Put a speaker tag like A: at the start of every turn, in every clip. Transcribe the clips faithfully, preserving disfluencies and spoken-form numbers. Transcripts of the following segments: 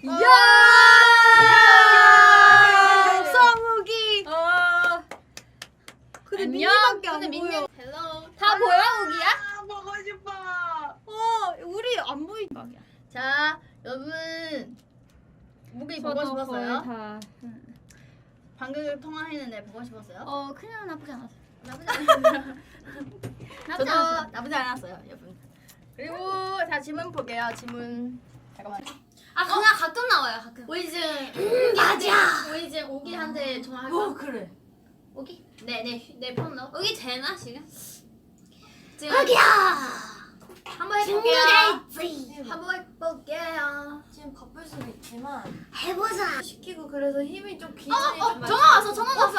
A: 이야! 성욱이.
B: 어.
A: 근데
B: 안녕.
A: 민니밖에 안
B: 근데
A: 보여.
B: 민니 헬로. 다 보여 우기야?
C: 아, 보고 싶어.
A: 어, 우리 안 보이.
B: 자, 여러분 우기 보고 싶었어요?
A: 다.
B: 방금 통화했는데 보고 싶었어요?
A: 어, 그냥 나쁘지 않았어.
B: 나쁘지 않았어요.
A: 나쁘지
B: 저도
A: 않았어요.
B: 나쁘지 않았어요, 여러분. 그리고 자 질문 볼게요. 질문 잠깐만.
A: 아, 그냥 가끔 나와요, 가끔.
B: 우리 지금
A: 맞아.
B: 우리 지금 우기한테 전화할까?
A: 그래.
B: 우기? 네네내폰 넣어.
A: 여기 되나 지금?
B: 지금
A: 여기야.
B: 한번 해볼게요. 한번 해볼게요.
A: 지금 바쁠 수도 있지만
B: 해보자.
A: 시키고 그래서 힘이 좀
B: 어,
A: 기준이
B: 어,
A: 좀
B: 전화 왔어, 전화 왔어.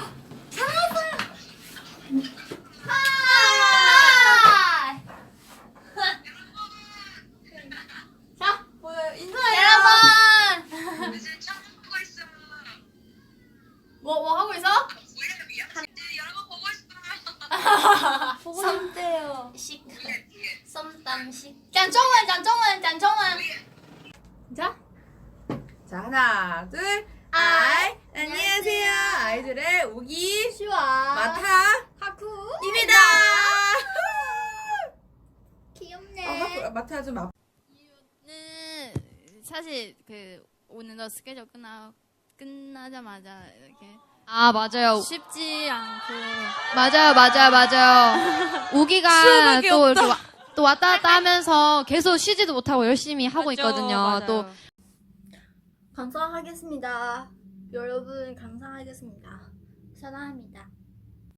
B: 하이. 자,
A: 뭐야 인사해요.
B: 여러분.
C: 이제 처음 보고 있어.
B: 뭐, 뭐 하고 있어?
C: 뭐야, 미안. 이제 여러분 보고 싶어.
A: 보고 싶대요.
B: 식. 썸땀식. 짠정원, 짠정원, 짠정원.
A: 자,
D: 자 하나 둘 아이 안녕하세요 아이들의 우기
B: 시와.
D: 마타입니다.
B: 하쿠. 귀엽네.
D: 아, 하쿠, 마타 좀 아.
E: 는 사실 그 오늘도 스케줄 끝나 끝나자마자 이렇게
F: 아 맞아요.
E: 쉽지 않고
F: 맞아요, 맞아요, 맞아요. 우기가
D: 수박이
F: 또
D: 없다.
F: 이렇게 와, 또 왔다 갔다 하면서 계속 쉬지도 못하고 열심히 하고
D: 맞죠,
F: 있거든요.
D: 맞아요.
F: 또
B: 감사하겠습니다. 여러분 감사하겠습니다. 사랑합니다.